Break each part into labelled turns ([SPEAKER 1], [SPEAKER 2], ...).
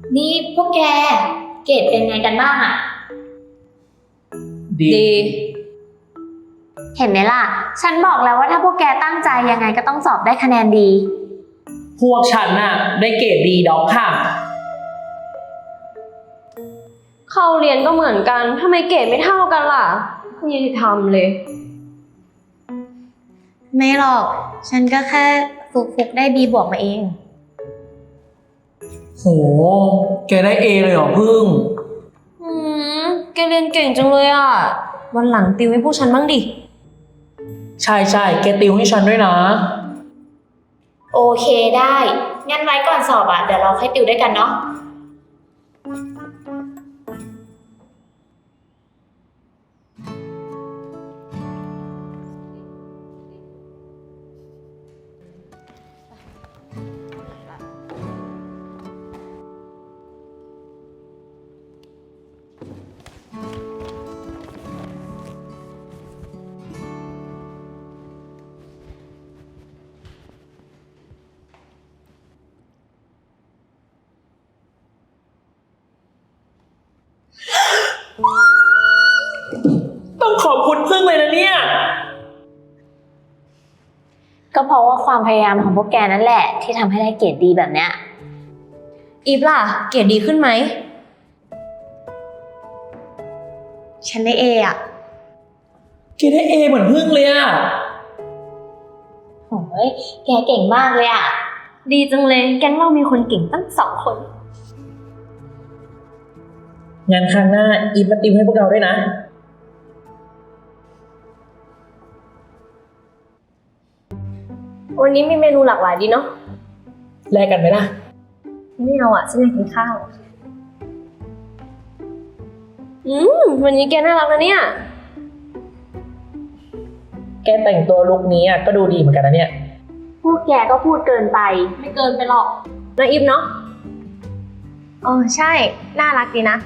[SPEAKER 1] นี่พวกแกเกรดเป็นไงกันบ้างอะ
[SPEAKER 2] ดี
[SPEAKER 1] เห็นไหมล่ะฉันบอกแล้วว่าถ้าพวกแกตั้งใจยังไงก็ต้องสอบได้คะแนนดี
[SPEAKER 2] พวกฉันน่ะได้เกรดดีด็อกค่ะ
[SPEAKER 3] เข้าเรียนก็เหมือนกันทำไมเกรดไม่เท่ากันล่ะไม่ยุติธรรมเลย
[SPEAKER 1] ไม่หรอกฉันก็แค่ฟุกได้ B บวกมาเอง
[SPEAKER 2] โห แกได้เอเลยเหรอพึ่ง
[SPEAKER 3] แกเรียนเก่งจังเลยอ่ะ วันหลังติวให้พวกฉันบ้างดิ
[SPEAKER 2] ใช่ใช่แกติวให้ฉันด้วยนะ
[SPEAKER 1] โอเคได้งั้นไว้ก่อนสอบอะเดี๋ยวเราค่อยติวด้วยกันเนาะ
[SPEAKER 2] ต้องขอบคุณพึ่งเลยนะเนี่ย
[SPEAKER 1] ก็เพราะว่าความพยายามของพวกแกนั่นแหละที่ทำให้ได้เกรดดีแบบเนี้ย
[SPEAKER 3] อีฟล่ะ เกรดดีขึ้นไหม
[SPEAKER 1] ฉันได้ A อะ
[SPEAKER 2] แกได้เอเหมือนพึ่งเลยอะ
[SPEAKER 1] โอ้ยแกเก่งมากเลยอะ
[SPEAKER 3] ดีจังเลย แก๊งเรามีคนเก่งตั้ง2 คน
[SPEAKER 2] งั้นครั้งหน้าอีฟมาติวให้พวกเราด้วยนะ
[SPEAKER 3] วันนี้มีเมนูหลากหลายดีเนาะ
[SPEAKER 2] แลกกันไหมล่ะ
[SPEAKER 3] ไม่เอาอ่ะฉันอยากกินข้าว วันนี้แกน่ารักนะเนี่ย
[SPEAKER 2] แกแต่งตัวลุคนี้อะก็ดูดีเหมือนกันนะเนี่ย
[SPEAKER 1] พวกแกก็พูดเกินไป
[SPEAKER 3] ไม่เกินไปหรอกนะอีฟเนาะใช่ น่ารักดีนะ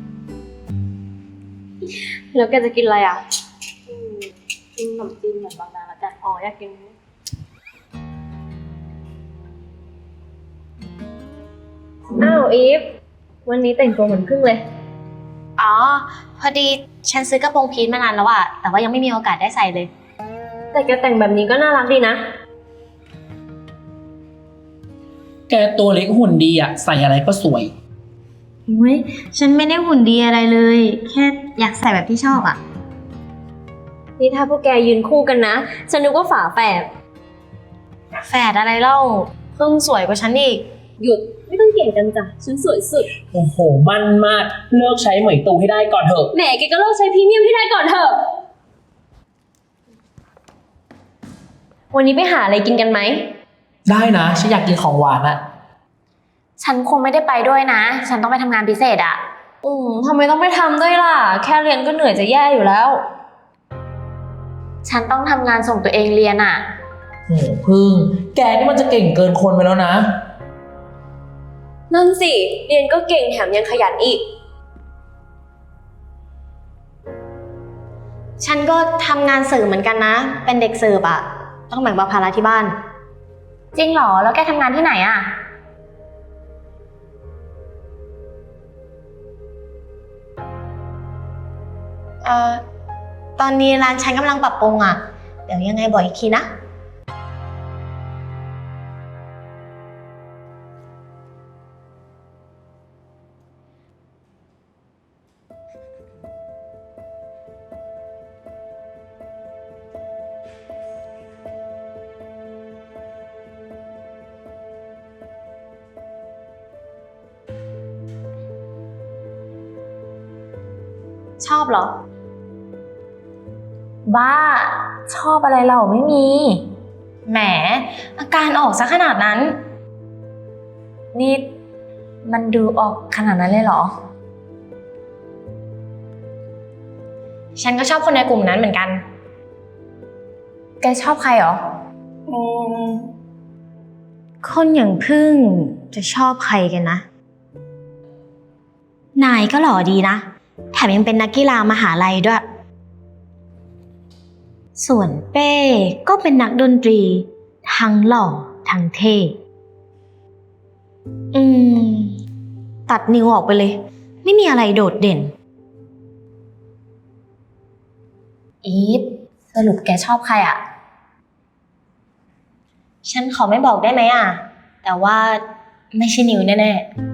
[SPEAKER 3] แล้วแกจะกินอะไรอ่ะ
[SPEAKER 1] กินขนมจีนเหมือนบางนาแล้วกัน
[SPEAKER 3] อยากกิน อ้าวอีฟ วันนี้แต่งตัวเหมือนพึ่งเลย
[SPEAKER 1] อ๋อพอดีฉันซื้อกระโปรงพีทมานานแล้วอะแต่ว่ายังไม่มีโอกาสได้ใส่เลย
[SPEAKER 3] แต่แกแต่งแบบนี้ก็น่ารักดีนะ
[SPEAKER 2] แกตัวเล็กหุ่นดีอะใส่อะไรก็สวย
[SPEAKER 1] อุ้ยฉันไม่ได้หุ่นดีอะไรเลย แค่อยากใส่แบบที่ชอบอะ
[SPEAKER 3] นี่ถ้าพวกแกยืนคู่กันนะ ฉันนึกว่าฝาแฝด
[SPEAKER 1] แฝดอะไรเล่าเพิ่งสวยกว่าฉันอีก
[SPEAKER 3] หยุด ไม่ต้องเก่งกันจ้ะ ฉันสวยสุด
[SPEAKER 2] โอ้โห มันมาก เลิกใช้เหมยตูให้ได้ก่อนเถอะ
[SPEAKER 3] แหมแกก็เลิกใช้พรีเมียมให้ได้ก่อนเถอะ วันนี้ไปหาอะไรกินกันไหม
[SPEAKER 2] ได้นะ ฉันอยากกินของหวานอะ
[SPEAKER 1] ฉันคงไม่ได้ไปด้วยนะ ฉันต้องไปทำงานพิเศษอะ
[SPEAKER 3] ทำไมต้องไปทำด้วยล่ะ แค่เรียนก็เหนื่อยจะแย่อยู่แล้ว
[SPEAKER 1] ฉันต้องทำงานส่งตัวเองเรียนอะ
[SPEAKER 2] โหพึ่ง แกนี่มันจะเก่งเกินคนไปแล้วนะ
[SPEAKER 3] นั่นสิ เรียนก็เก่งแถมยังขยันอีก
[SPEAKER 1] ฉันก็ทำงานสื่อเหมือนกันนะ เป็นเด็กเสิร์ฟอะต้องแบ่งเบาภาระที่บ้าน จริงเหรอ แล้วแกทำงานที่ไหนอะตอนนี้ร้านฉันกำลังปรับปรุงอะเดี๋ยวยังไงบอกอีกทีนะ ชอบเหรอ บ้า ชอบอะไรเราไม่มี แหม อาการออกซะขนาดนั้น นี่มันดูออกขนาดนั้นเลยเหรอ ฉันก็ชอบคนในกลุ่มนั้นเหมือนกัน แกชอบใครเหรอ คนอย่างพึ่งจะชอบใครกันนะ นายก็หล่อดีนะ แถมยังเป็นนักกีฬามหาลัยด้วย ส่วนเป้ก็เป็นนักดนตรี ทั้งหล่อทั้งเท่ตัดนิวออกไปเลย ไม่มีอะไรโดดเด่น อีฟสรุปแกชอบใครอ่ะ ฉันขอไม่บอกได้ไหมอ่ะ แต่ว่าไม่ใช่นิวแน่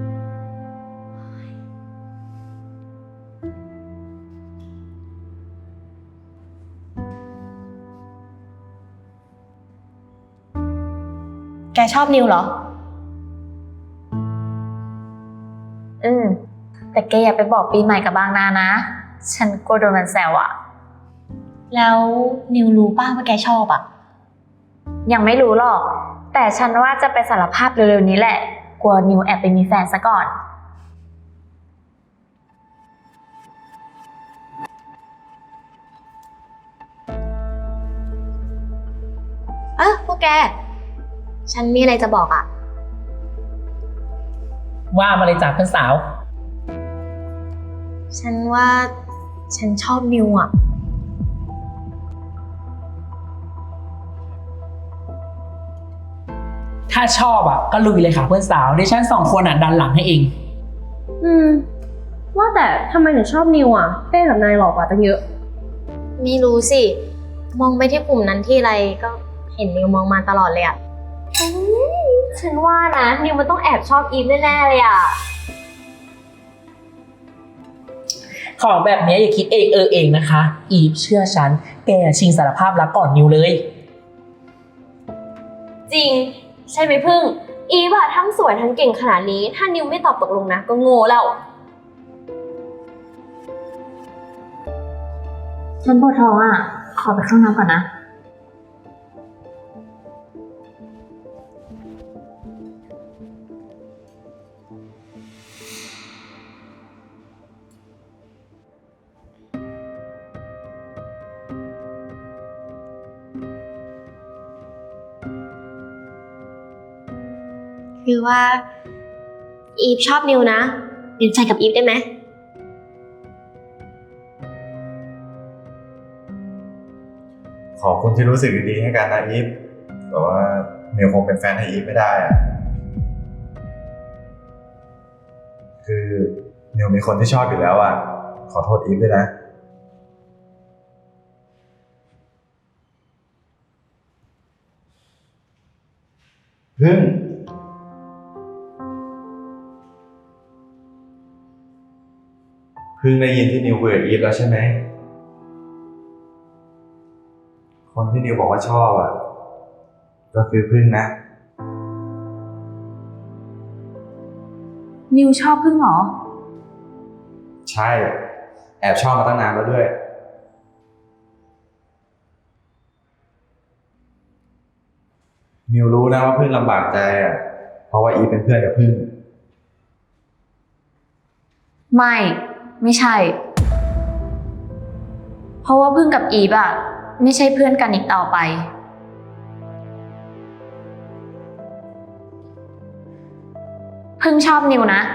[SPEAKER 1] ๆ แกชอบนิวเหรอ แต่แกอย่าไปบอกปีใหม่กับบางนานะ ฉันกลัวโดนมันแซวอ่ะ แล้วนิวรู้ป่ะว่าแกชอบอ่ะ ยังไม่รู้หรอก แต่ฉันว่าจะไปสารภาพเร็วๆนี้แหละ กลัวนิวแอบไปมีแฟนซะก่อนพวกแก ฉันมีอะไรจะบอกอ่ะ
[SPEAKER 2] ว่ามาเลยจ้ะเพื่อนสาว
[SPEAKER 1] ฉันว่าฉันชอบนิวอ่ะ
[SPEAKER 2] ถ้าชอบอ่ะก็ลุยเลยค่ะเพื่อนสาวดิฉัน2 คนอ่ะดันหลังให้เอง
[SPEAKER 3] ว่าแต่ทำไมถึงชอบนิวอ่ะเป้กับนายหลอกกว่าตั้งเยอะ
[SPEAKER 1] ไม่รู้สิ มองไปที่กลุ่มนั้นที่ไรก็เห็นนิวมองมาตลอดเลยอ่ะ
[SPEAKER 3] ฉันว่านะนิวมันต้องแอบชอบอีฟแน่ๆเลยอ่ะ
[SPEAKER 2] ของแบบนี้อย่าคิดเองเองนะคะ อีฟเชื่อฉัน แกชิงสารภาพรักก่อนนิวเลย
[SPEAKER 3] จริง ใช่ไหมพึ่ง อีฟอะทั้งสวยทั้งเก่งขนาดนี้ ถ้านิวไม่ตอบตกลงนะ ก็โง่แล้ว
[SPEAKER 1] ฉันปวดท้องอ่ะ ขอไปเข้าน้ำก่อนนะ
[SPEAKER 3] คือว่า อีฟชอบนิวนะเป็นแฟนกับอีฟได้ไหม
[SPEAKER 4] ขอบคุณที่รู้สึกดีๆให้กันนะอีฟแต่ว่านิวคงเป็นแฟนให้อีฟไม่ได้อะคือนิวมีคนที่ชอบอยู่แล้วอ่ะ ขอโทษอีฟด้วยนะพึ่งได้ยินที่นิวคุยกับอีฟแล้วใช่ไหม คนที่นิวบอกว่าชอบอ่ะ ก็คือพึ่งนะ
[SPEAKER 1] นิวชอบพึ่งเหรอ
[SPEAKER 4] ใช่ แอบชอบมาตั้งนานแล้วด้วย นิวรู้นะว่าพึ่งลำบากใจอ่ะ เพราะว่าอีฟเป็นเพื่อนกับพึ่ง
[SPEAKER 1] ไม่ใช่ เพราะว่าพึ่งกับอีฟอะไม่ใช่เพื่อนกันอีกต่อไป พึ่งชอบนิวนะ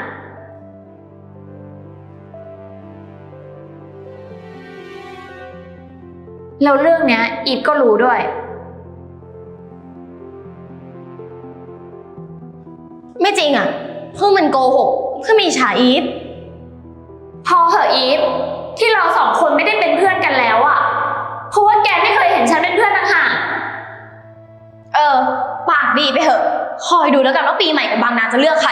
[SPEAKER 1] แล้วเรื่องเนี้ยอีฟก็รู้ด้วย ไม่จริงอะพึ่งมันโกหกเพื่อมีฉาอีฟ พอเหอะอีฟที่เรา2 คนไม่ได้เป็นเพื่อนกันแล้วอะเพราะว่าแกไม่เคยเห็นฉันเป็นเพื่อนต่างหากปากดีไปเหอะคอยดูแล้วกันว่าปีใหม่กับบางนาจะเลือกใคร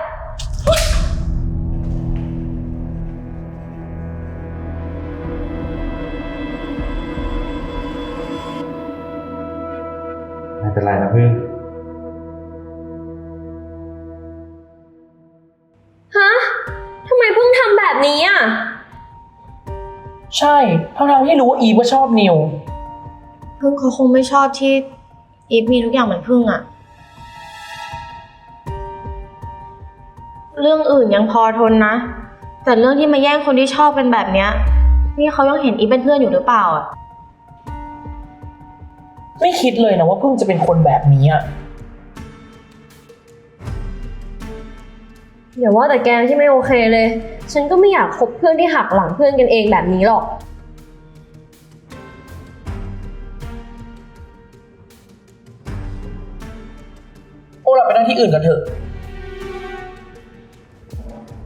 [SPEAKER 4] ไม่เป็นไรนะพึ่ง
[SPEAKER 3] ฮะทำไมพึ่งทำแบบนี้อ่ะ
[SPEAKER 2] ใช่ทั้งที่รู้ว่าอีฟก็ชอบนิว
[SPEAKER 1] พึ่งเขาคงไม่ชอบที่อีฟมีทุกอย่างเหมือนพึ่งอะเรื่องอื่นยังพอทนนะ แต่เรื่องที่มาแย่งคนที่ชอบเป็นแบบเนี้ยนี่เขายังเห็นอีฟเป็นเพื่อนอยู่หรือเปล่าอะ
[SPEAKER 2] ไม่คิดเลยนะว่าเพิ่งจะเป็นคนแบบนี้อ่ะ
[SPEAKER 3] อย่าว่าแต่แกที่ไม่โอเคเลย ฉันก็ไม่อยากคบเพื่อนที่หักหลังเพื่อนกันเองแบบนี้หรอก
[SPEAKER 2] พวกเราไปนั่งที่อื่นกันเถอะ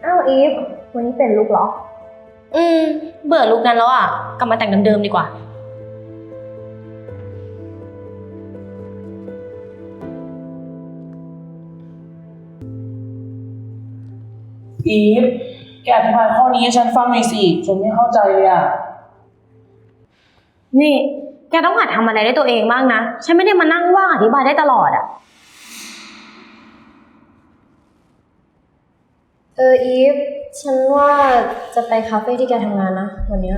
[SPEAKER 3] อ้าวอีฟวันนี้เป็นลุกเหรอ เบื่อลุกนั้นแล้วอ่ะ กลับมาแต่งเดิมๆดีกว่า
[SPEAKER 2] อีฟแกอธิบายข้อนี้ให้ฉันฟังหน่อยสิฉันไม่เข้าใจเลยอ่ะ
[SPEAKER 3] นี่ แกต้องหัดทำอะไรได้ตัวเองบ้างนะ ฉันไม่ได้มานั่งว่างอธิบายได้ตลอดอ่ะ อีฟ ฉันว่าจะไปคาเฟ่ที่แกทำงานนะวันนี้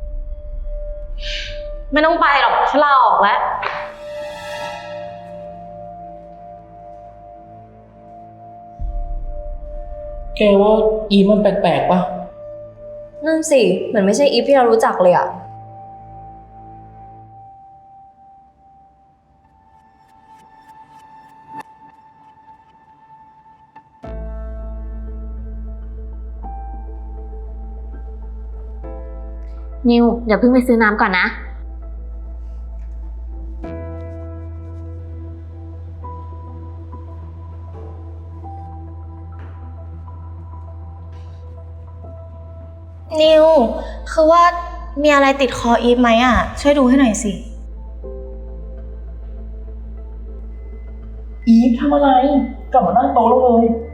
[SPEAKER 3] ไม่ต้องไปหรอก ฉันลาออกแล้ว
[SPEAKER 2] แกว่าอีฟมันแปลกๆปะ
[SPEAKER 3] นั่นสิ เหมือนไม่ใช่อีฟที่เรารู้จักเลยอ่ะ
[SPEAKER 1] นิวเดี๋ยวเพิ่งไปซื้อน้ำก่อนนะ
[SPEAKER 3] นิว คือว่ามีอะไรติดคออีฟไหมอ่ะ ช่วยดูให้หน่อยสิ
[SPEAKER 2] อีฟทำอะไรกลับมานั่งโต๊ะแล้วเลย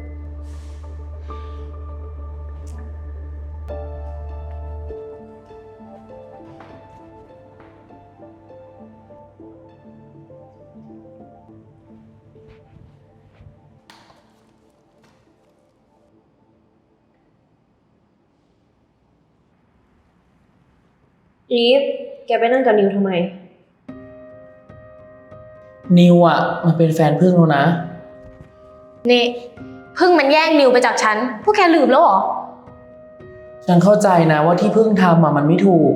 [SPEAKER 3] อีฟ แกไปนั่งกับนิวทำไม
[SPEAKER 2] นิวอ่ะมันเป็นแฟนพึ่งแล้วนะ
[SPEAKER 3] นี่พึ่งมันแย่งนิวไปจากฉัน พวกแกลืมแล้วเหรอ
[SPEAKER 2] ฉันเข้าใจนะว่าที่พึ่งทำอ่ะมันไม่ถูก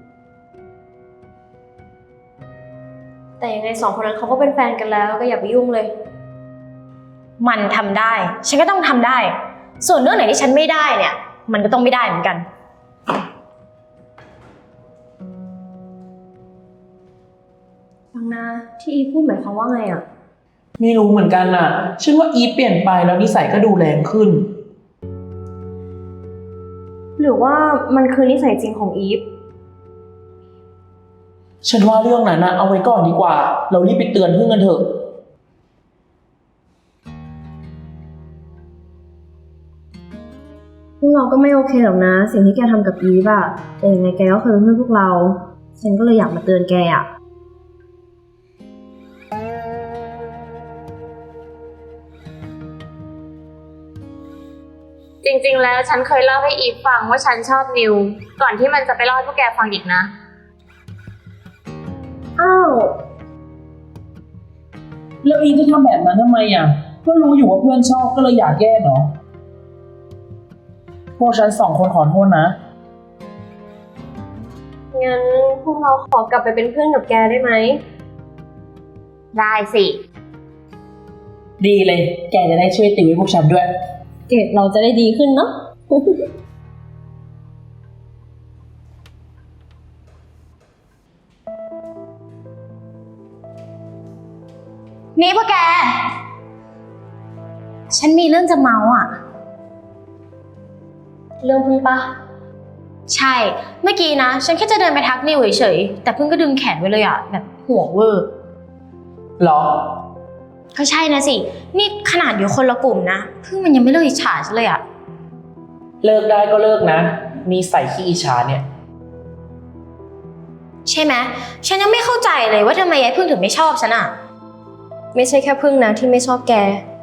[SPEAKER 3] แต่ยังไงสองคนนั้นเขาก็เป็นแฟนกันแล้วก็อย่าไปยุ่งเลย มันทำได้ ฉันก็ต้องทำได้ ส่วนเรื่องไหนที่ฉันไม่ได้เนี่ย มันก็ต้องไม่ได้เหมือนกัน ฟังนะที่อีฟพูดหมายความว่าไงอ่ะ
[SPEAKER 2] ไม่รู้เหมือนกันน่ะฉันว่าอีฟเปลี่ยนไปแล้วนิสัยก็ดูแรงขึ้น
[SPEAKER 3] หรือว่ามันคือนิสัยจริงของอีฟ
[SPEAKER 2] ฉันว่าเรื่องนั้นนะเอาไว้ก่อนดีกว่า เรารีบไปเตือนพึ่งกันเถอะ
[SPEAKER 3] พวกเราก็ไม่โอเคหรอกนะ สิ่งที่แกทำกับอีฟอะแต่ยังไงแกก็เคยเป็นเพื่อนพวกเรา ฉันก็เลยอยากมาเตือนแกอะ
[SPEAKER 1] จริงๆ แล้วฉันเคยเล่าให้อีฟฟังว่าฉันชอบนิว ก่อนที่มันจะไปเล่าให้พวกแกฟังอีกนะ
[SPEAKER 3] อ้าว
[SPEAKER 2] แล้วอีฟจะทำแบบนั้นทำไมอ่ะก็รู้อยู่ว่าเพื่อนชอบก็เลยอยากแก้เนาะพวกฉันสองคนขอโทษนะ
[SPEAKER 3] งั้นพวกเราขอกลับไปเป็นเพื่อนกับแกได้ไหม
[SPEAKER 1] ได้สิ
[SPEAKER 2] ดีเลย แกจะได้ช่วยติวให้พวกฉันด้วย
[SPEAKER 3] เกรดเราจะได้ดีขึ้นเนาะ นี่พวกแก ฉันมีเรื่องจะเมาอ่ะ เรื่องพึ่งปะใช่ เมื่อกี้นะ ฉันแค่จะเดินไปทักนิวเฉยๆ แต่พึ่งก็ดึงแขนไว้เลยอ่ะ แบบห่วงเวอร์
[SPEAKER 2] หรอ
[SPEAKER 3] ก็ใช่นะสิ นี่ขนาดอยู่คนละกลุ่มนะพึ่งมันยังไม่เลิกอิจฉาฉันเลยอ่ะ
[SPEAKER 2] เลิกได้ก็เลิกนะนิสัยขี้อิจฉาเนี่ย
[SPEAKER 3] ใช่ไหมฉันยังไม่เข้าใจเลยว่าทำไมยายพึ่งถึงไม่ชอบฉันอ่ะ ไม่ใช่แค่พึ่งนะที่ไม่ชอบแก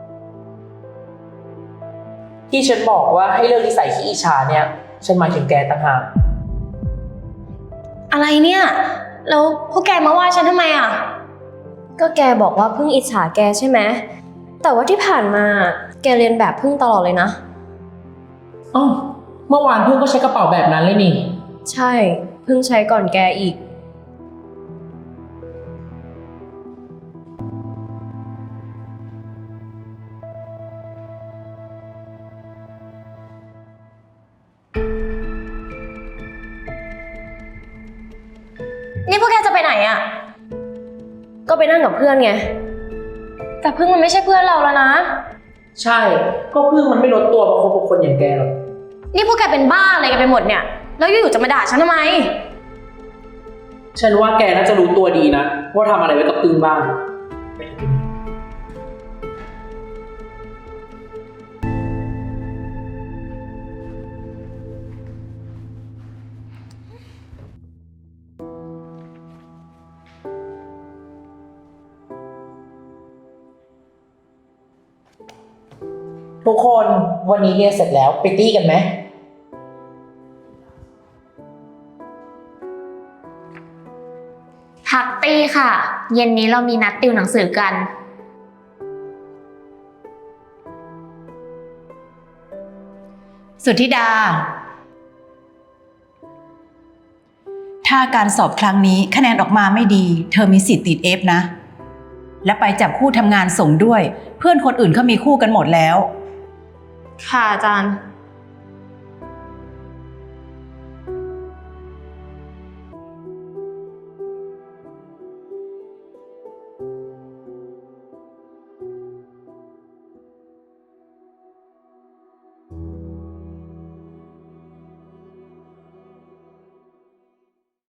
[SPEAKER 2] ที่ฉันบอกว่าให้เลิกนิสัยขี้อิจฉาเนี่ย ฉันหมายถึงแกต่างหาก
[SPEAKER 3] อะไรเนี่ย แล้วพวกแกมาว่าฉันทำไมอ่ะ ก็แกบอกว่าพึ่งอิจฉาแกใช่ไหม แต่ว่าที่ผ่านมาแกเรียนแบบพึ่งตลอดเลยนะ
[SPEAKER 2] อ้าวเมื่อวานเพื่อนก็ใช้กระเป๋าแบบนั้นเลยนี่
[SPEAKER 3] ใช่พึ่งใช้ก่อนแกอีก นี่พวกแกจะไปไหนอ่ะ ก็ไปนั่งกับเพื่อนไง แต่พึ่งมันไม่ใช่เพื่อนเราแล้วนะ
[SPEAKER 2] ใช่ ก็เพิ่งมันไม่ลดตัวมาคบกับคนอย่างแกหรอก
[SPEAKER 3] นี่พวกแกเป็นบ้าอะไรกันไปหมดเนี่ย แล้วอยู่ๆจะมาด่าฉันทำไม
[SPEAKER 2] ฉันว่าแกน่าจะรู้ตัวดีนะว่าทำอะไรไว้กับพึ่งบ้าง ทุกคนวันนี้เรียนเสร็จแล้วไปตี้กันไหม
[SPEAKER 1] พักตี้ค่ะ เย็นนี้เรามีนัดติวหนังสือกัน
[SPEAKER 5] สุทธิดา ถ้าการสอบครั้งนี้คะแนนออกมาไม่ดี เธอมีสิทธิ์ติด F นะ และไปจับคู่ทำงานส่งด้วย เพื่อนคนอื่นเขามีคู่กันหมดแล้ว
[SPEAKER 3] ค่ะอาจารย์